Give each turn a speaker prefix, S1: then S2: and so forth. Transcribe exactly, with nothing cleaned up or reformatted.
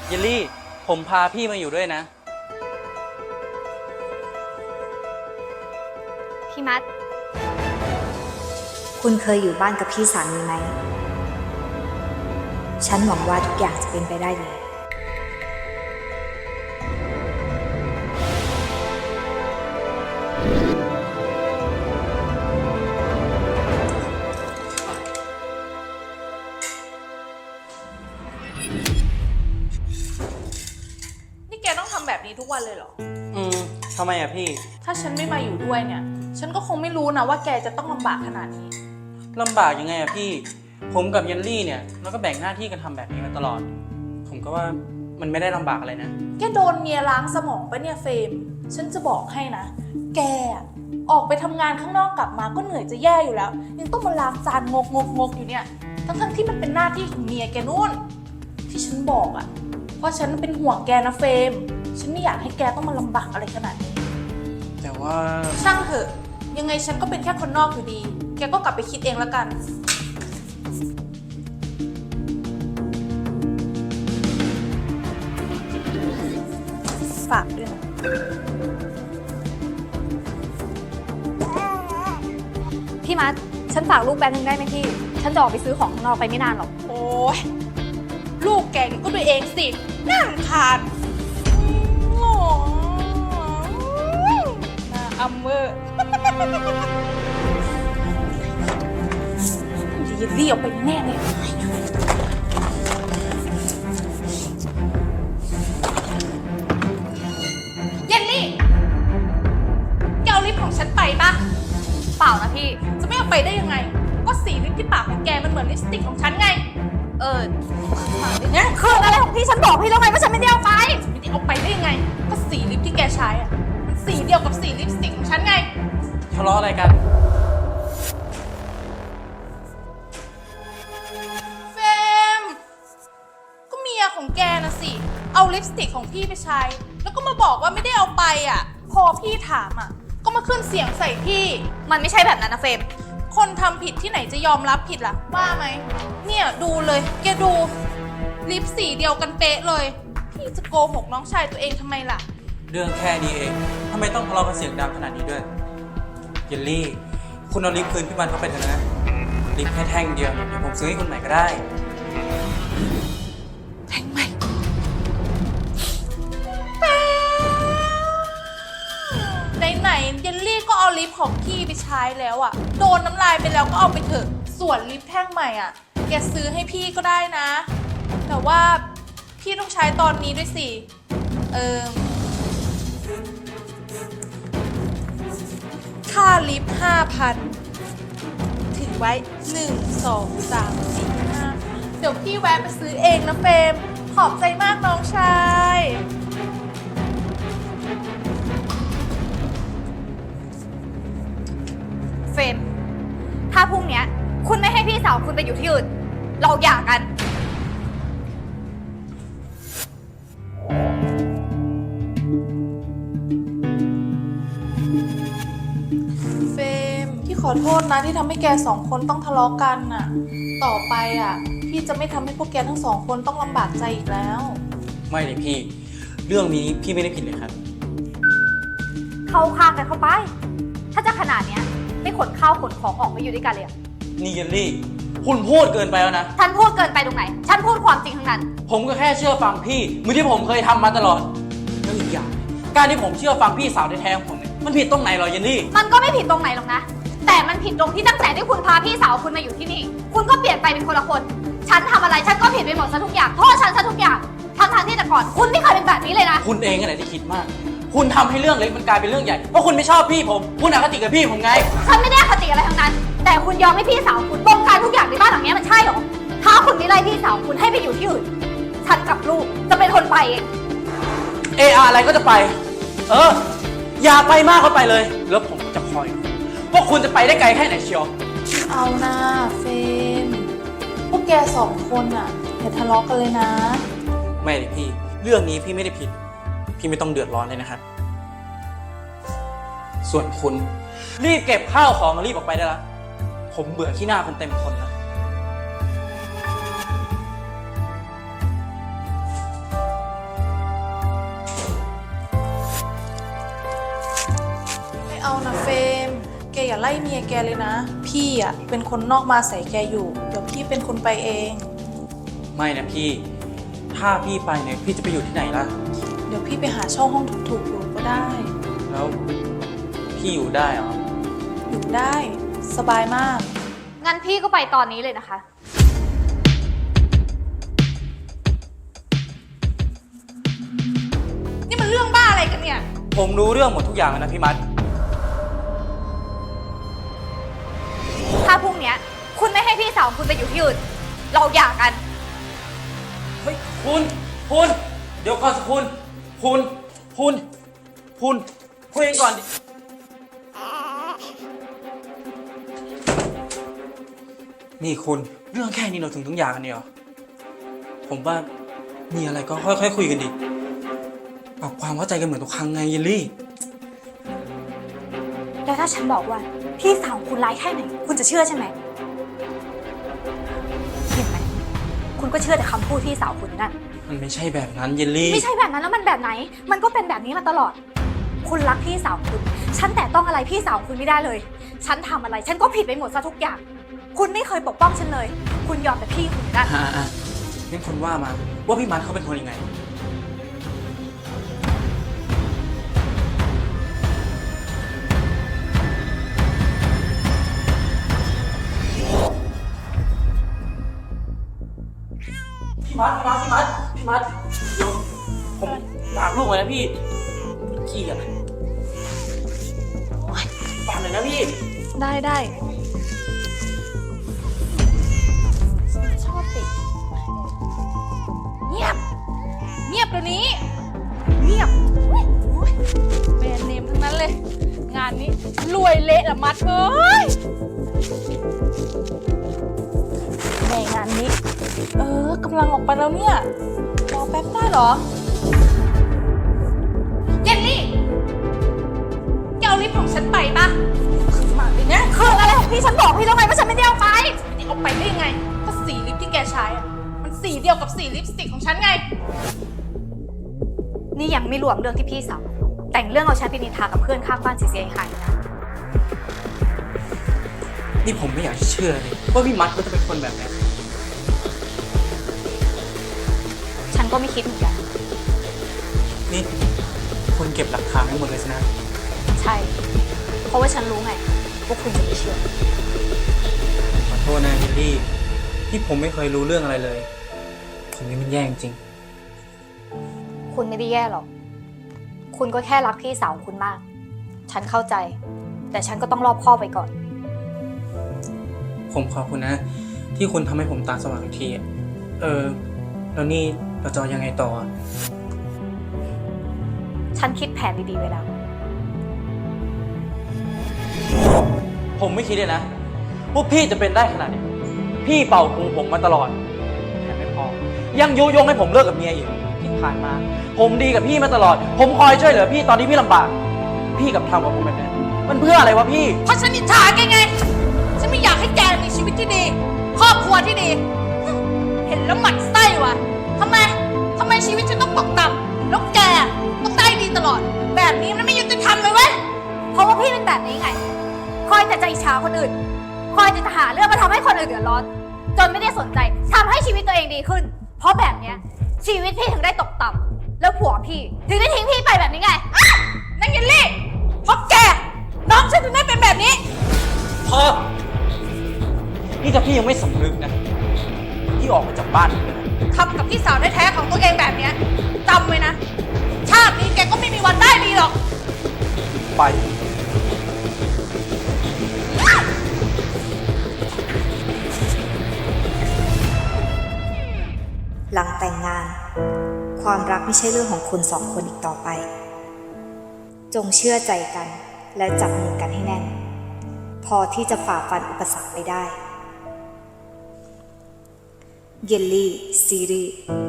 S1: เยลลี่ผมพาพี่มาอยู่ด้วยนะ
S2: พี่มัด
S3: คุณเคยอยู่บ้านกับพี่สามีไหมฉันหวังว่าทุกอย่างจะเป็นไปได้ดี
S4: นี่แกต้องทำแบบนี้ทุกวันเลยเหรอ
S1: อืมทำไมอะพี่
S4: ถ้าฉันไม่มาอยู่ด้วยเนี่ยฉันก็คงไม่รู้นะว่าแกจะต้องลำบากขนาดนี้
S1: ลำบากยังไงอะพี่ผมกับเยลลี่เนี่ยเราก็แบ่งหน้าที่กันทำแบบนี้มาตลอดผมก็ว่ามันไม่ได้ลำบากอะไรนะ
S4: แกโดนเมียล้างสมองปะเนี่ยเฟรมฉันจะบอกให้นะแกออกไปทำงานข้างนอกกลับมาก็เหนื่อยจะแย่อยู่แล้วยังต้องมาล้างจานงกงกงกอยู่เนี่ยทั้งทั้งที่มันเป็นหน้าที่ของเมียแกนู่นที่ฉันบอกอ่ะเพราะฉันเป็นห่วงแกนะเฟรมฉันไม่อยากให้แกต้องมาลำบากอะไรขนาดนี้
S1: แต่ว่า
S4: ช่างเถอะยังไงฉันก็เป็นแค่คนนอกอยู่ดีแกก็กลับไปคิดเองแล้วกันฝากด้วยนะ
S2: พี่มัดฉันฝากลูกแบงค์นึงได้ไหมพี่ฉันจะออกไปซื้อของข้างนอกไปไม่นานหรอก
S4: โอ้ยลูกแกก็ดูเองสิน่ารำคาญโง่น่าอัมเวอร์เดี๋ยวเรียกไปแน่เลยเยลลี่แกเอาลิปของฉันไปปะ
S2: เปล่านะพี่
S4: จะไม่เอาไปได้ยังไงก็สีลิปที่ปากของแกมันเหมือนลิปสติกของฉันไง
S2: เออ
S4: มาดิเนี่ย
S2: คืออะไรของพี่ฉันบอกพี่แล้วไงว่าฉันไม่ได้เอาไป
S4: ไม่ได้เอาไปได้ยังไงก็สีลิปที่แกใช้อ่ะมันสีเดียวกับสีลิปสติกของฉันไง
S1: ทะเลาะอะไรกัน
S4: เฟมก็เมียของแกนะสิเอาลิปสติกของพี่ไปใช้แล้วก็มาบอกว่าไม่ได้เอาไปอ่ะพอพี่ถามอ่ะก็มาขึ้นเสียงใส่พี่
S2: มันไม่ใช่แบบนั้นนะเฟม
S4: คนทำผิดที่ไหนจะยอมรับผิดล่ะว่าไหมเนี่ยดูเลยแกดูลิปสีเดียวกันเป๊ะเลยพี่จะโกหกน้องชายตัวเองทำไมล่ะ
S1: เรื่องแค่นี้เองทำไมต้องทะเลาะกันเสียงดังขนาดนี้ด้วยเยลลี่คุณเอาลิปคืนพี่มันเข้าไปเถอะนะลิปแค่แท่งเดียวเดี๋ยวผมซื้อให้คุณใหม่ก็ได้
S4: แท่งใหม่ไหนๆเยลลี่ก็เอาลิปของพี่ไปใช้แล้วอ่ะโดนน้ำลายไปแล้วก็เอาไปเถอะส่วนลิปแท่งใหม่อ่ะแกซื้อให้พี่ก็ได้นะแต่ว่าพี่ต้องใช้ตอนนี้ด้วยสิเออค่าลิป ห้าพัน ถึงไว้หนึ่ง สอง สาม สี่ ห้าเดี๋ยวพี่แวะไปซื้อเองนะเฟรมขอบใจมากน้องชาย
S2: เฟมถ้าพรุ่งนี้คุณไม่ให้พี่สาวคุณไปอยู่ที่อื่นเราหย่ากัน
S4: เฟมพี่ขอโทษนะที่ทำให้แกสองคนต้องทะเลาะกันน่ะต่อไปอ่ะพี่จะไม่ทำให้พวกแกทั้งสองคนต้องลำบากใจอีกแล้ว
S1: ไม่เลยพี่เรื่องนี้พี่ไม่ได้ผิดเลยครับ
S2: เข้าข้างกันเข้าไปถ้าจะขนาดเนี้ยไม่ขนข้าวขนของออกมาอยู่ด้วยกันเลยอะ
S1: นี่เยลลี่คุณพูดเกินไปแล้วนะ
S2: ฉันพูดเกินไปตรงไหนฉันพูดความจริงทั้งนั้น
S1: ผมก็แค่เชื่อฟังพี่เหมือนที่ผมเคยทำมาตลอดแล้วอีกอย่างการที่ผมเชื่อฟังพี่สาวแท้ๆของผมเนี่ยมันผิดตรงไหนหรอเยลลี่
S2: มันก็ไม่ผิดตรงไหนหรอกนะแต่มันผิดตรงที่ตั้งแต่ที่คุณพาพี่สาวคุณมาอยู่ที่นี่คุณก็เปลี่ยนไปเป็นคนละคนฉันทำอะไรฉันก็ผิดไปหมดซะทุกอย่างโทษฉันซะทุกอย่างทั้งๆที่แต่ก่อนคุณไม่เคยเป็นแบบนี้เลยนะ
S1: คุณเองอะไรที่คิดมากคุณทำให้เรื่องเล็กมันกลายเป็นเรื่องใหญ่เพราะคุณไม่ชอบพี่ผมคุณอคติกับพี่ผมไง
S2: ฉันไม่ได้อคติอะไรทั้งนั้นแต่คุณยอมให้พี่สาวคุณบงการทุกอย่างในบ้านหลังนี้มันใช่หรอถ้าคุณไม่ไล่พี่สาวคุณให้ไปอยู่ที่อื่นฉันกับลูกจะเป็นคนไปเอง
S1: เอออะไรก็จะไปเอออย่าไปมากเข้าไปเลยแล้วผมจะคอยว่าคุณจะไปได้ไกลแค่ไหนเชียว
S4: เอานะเฟมพวกแกสองคนอ่ะอย่าทะเลาะกันเลยนะ
S1: ไม่เลยพี่เรื่องนี้พี่ไม่ได้ผิดพี่ไม่ต้องเดือดร้อนเลยนะครับส่วนคุณรีบเก็บข้าวของรีบออกไปได้แล้วผมเบื่อขี้หน้าคนเต็มคนแล้ว
S4: อย่าไล่เมียแกเลยนะ พี่อ่ะเป็นคนนอกมาใส่แกอยู่ เดี๋ยวพี่เป็นคนไปเอง
S1: ไม่นะพี่ ถ้าพี่ไปเนี่ยพี่จะไปอยู่ที่ไหนล่ะ
S4: เดี๋ยวพี่ไปหาเช่าห้องถูกๆอยู่ก็ได้
S1: แล้วพี่อยู่ได้เหรอ
S4: อยู่ได้สบายมาก
S2: งั้นพี่ก็ไปตอนนี้เลยนะคะ
S4: นี่มันเรื่องบ้าอะไรกันเนี่ย
S1: ผมรู้เรื่องหมดทุกอย่างแล้วนะพี่มัด
S2: ถ้าพรุ่งเนี้ยคุณไม่ให้พี่สาวคุณไปอยู่ที่อื่น เราหย่ากัน
S1: เฮ้ยคุณคุณ เดี๋ยวก่อนสิคุณ คุณคุณคุณคุยกันก่อนดินี่คุณเรื่องแค่นี้เราถึงต้องหย่ากันเนี่ยเหรอผมว่ามีอะไรก็ค่อยๆคุยกันดิปรับความเข้าใจกันเหมือนทุกครั้งไงเยลลี่
S2: แล้วถ้าฉันบอกว่าพี่สาวคุณร้ายแค่ไหน คุณจะเชื่อใช่ไหมเห็นไหมคุณก็เชื่อแต่คำพูดพี่สาวคุณนั่น
S1: มันไม่ใช่แบบนั้นเยลลี่
S2: ไม่ใช่แบบนั้นแล้วมันแบบไหน มันก็เป็นแบบนี้มาตลอด คุณรักพี่สาวคุณ ฉันแต่ต้องอะไรพี่สาวคุณไม่ได้เลย ฉันทำอะไร ฉันก็ผิดไปหมดซะทุกอย่าง คุณไม่เคยปกป้องฉันเลย คุณยอมแต่พี่คุณนั่น
S1: อ่าอ่ะงั้นคุณว่ามาว่าพี่มัดเขาเป็นคนยังไง พี่มัดพี่มัดพี่มัดพี่มัดเดี๋ยวผมฝากลูกไว้นะพี่ขี้อะไรฝากหน่อยนะพี่
S4: ได้ได้ชอบติเงียบ เงียบเดี๋ยวนี้ เงียบอุ๊ยอุ๊ยแบรนด์เนมทั้งนั้นเลย งานนี้รวยเละละมัดเอ้ยในงานนี้ เออกำลังออกไปแล้วเนี่ย รอแป๊บได้เหรอ เยลลี่แกเอาลิปของฉันไปปะขึ้นมาเลยเนี่ย
S2: คืออะไรของพี่ฉันบอกพี่แล้วไงว่าฉันไม่ได้เอาไป
S4: นี่เอาไปได้ยังไง ก็สีลิปที่แกใช้อะมันสีเดียวกับสีลิปสติกของฉันไง
S2: นี่ยังไม่รวมเรื่องที่พี่สาวแต่งเรื่องเอาฉันไปนินทากับเพื่อนข้างบ้านเสียหายๆนะ
S1: นี่ผมไม่อยากจะเชื่อเลยว่าพี่มัดก็จะเป็นคนแบบนี้
S2: ฉันก็ไม่คิดเหมือนกัน
S1: นี่คุณเก็บหลักฐานทั้งหมดเลยสินะ
S2: ใช่ เพราะว่าฉันรู้ไงว่าคุณจะไม่เชื่อ
S1: ขอโทษนะเฮนรี่ที่ผมไม่เคยรู้เรื่องอะไรเลย ผมนี่มันแย่จริง
S2: คุณไม่ได้แย่หรอก คุณก็แค่รักพี่สาวคุณมาก ฉันเข้าใจ แต่ฉันก็ต้องรอบคอบไปก่อน
S1: ผมขอบคุณนะ ที่คุณทำให้ผมตาสว่างอีกทีอะเออ แล้วนี่เราจะยังไงต่อ
S2: ฉันคิดแผนดีๆไว้แล้ว
S1: ผมไม่คิดเลยนะว่าพี่จะเป็นได้ขนาดนี้ พี่เป่าหูผมมาตลอดแถมไม่พอ ยังยุยงให้ผมเลิกกับเมียอีกที่ผ่านมา ผมดีกับพี่มาตลอด ผมคอยช่วยเหลือพี่ตอนที่พี่ลำบาก พี่กับทำกับผมแบบนี้มันเพื่ออะไรวะพี่
S4: เพราะฉันอิจฉาแกไง ฉันไม่อยากให้แกมีชีวิตที่ดี ครอบครัวที่ดี เห็นแล้วหมั่นไส้ว่ะทำไมทำไมชีวิตฉันต้องตกต่ำแล้วแกต้องได้ดีตลอด แบบนี้มันไม่ยุติธรรมเลยเว้ย
S2: เพราะว่าพี่เป็นแบบนี้ไง คอยแต่จะอิจฉาคนอื่น คอยแต่จะหาเรื่องมาทำให้คนอื่นเดือดร้อน จนไม่ได้สนใจทำให้ชีวิตตัวเองดีขึ้น เพราะแบบเนี้ยชีวิตพี่ถึงได้ตกต่ำแล้วผัวพี่ถึงได้ทิ้งพี่ไปแบบนี้ไง
S4: นั่นเยลลี่เพราะแก น้องฉันถึงได้เป็นแบบนี้
S1: พอนี่ถ้าพี่ยังไม่สำนึกนะ พี่ออกมาจากบ้านผมเลยนะ
S4: ทำกับพี่สาวแท้ๆของตัวเองแบบเนี้ยจำไว้นะ ชาตินี้แกก็ไม่มีวันได้ดีหรอก
S1: ไป
S3: หลังแต่งงาน ความรักไม่ใช่เรื่องของคุณสองคนอีกต่อไป จงเชื่อใจกันและจับมือกันให้แน่น พอที่จะฝ่าฟันอุปสรรคไปได้ เยลลี่ซีรีส์